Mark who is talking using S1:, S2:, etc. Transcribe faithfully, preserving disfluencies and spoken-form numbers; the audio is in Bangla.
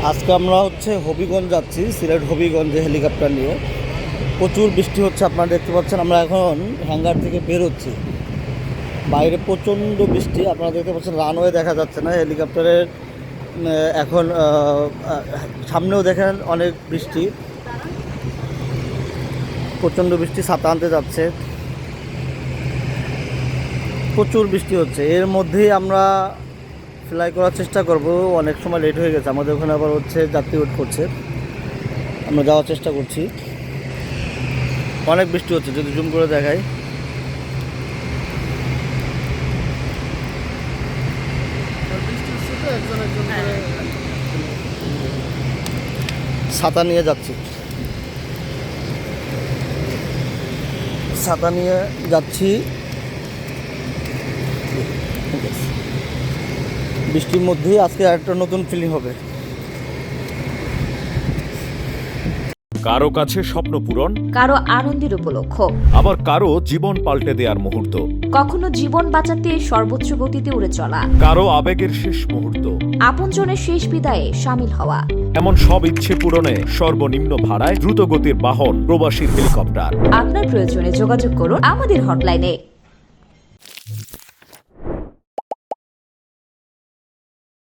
S1: আজকে আমরা হচ্ছে হবিগঞ্জ যাচ্ছি, সিলেট হবিগঞ্জে হেলিকপ্টার নিয়ে। প্রচুর বৃষ্টি হচ্ছে, আপনারা দেখতে পাচ্ছেন। আমরা এখন হ্যাঙ্গার থেকে বের হচ্ছি, বাইরে প্রচণ্ড বৃষ্টি। আপনারা দেখতে পাচ্ছেন রানওয়ে দেখা যাচ্ছে না হেলিকপ্টারের। এখন সামনেও দেখেন অনেক বৃষ্টি, প্রচণ্ড বৃষ্টি। ছাতা আনতে যাচ্ছে, প্রচুর বৃষ্টি হচ্ছে। এর মধ্যেই আমরা ফ্লাই করার চেষ্টা করব। অনেক সময় লেট হয়ে গেছে আমাদের ওখানে, আবার হচ্ছে যাত্রী ওয়েট করছে। আমরা যাওয়ার চেষ্টা করছি। অনেক বৃষ্টি হচ্ছে, যদি জুম করে দেখাই। ছাতা নিয়ে যাচ্ছি, ছাতা নিয়ে যাচ্ছি। বৃষ্টির মধ্যেই আজকে একটা নতুন ফিলিং হবে।
S2: কারো কাছে স্বপ্ন পূরণ,
S3: কারো আনন্দের উপলক্ষ,
S2: আবার কারো জীবন পাল্টে দেওয়ার মুহূর্ত,
S3: কখনো জীবন বাঁচাতে সর্বোচ্চ গতিতে উড়ে চলা,
S2: কারো আবেগের শেষ মুহূর্ত।
S3: আপনজনের শেষ বিদায়ে সামিল হওয়া।
S2: এমন সব ইচ্ছে পূরণে সর্বনিম্ন ভাড়ায় দ্রুতগতির বাহন প্রবাসীর হেলিকপ্টার।
S3: আপনার প্রয়োজনে যোগাযোগ করুন আমাদের হটলাইনে।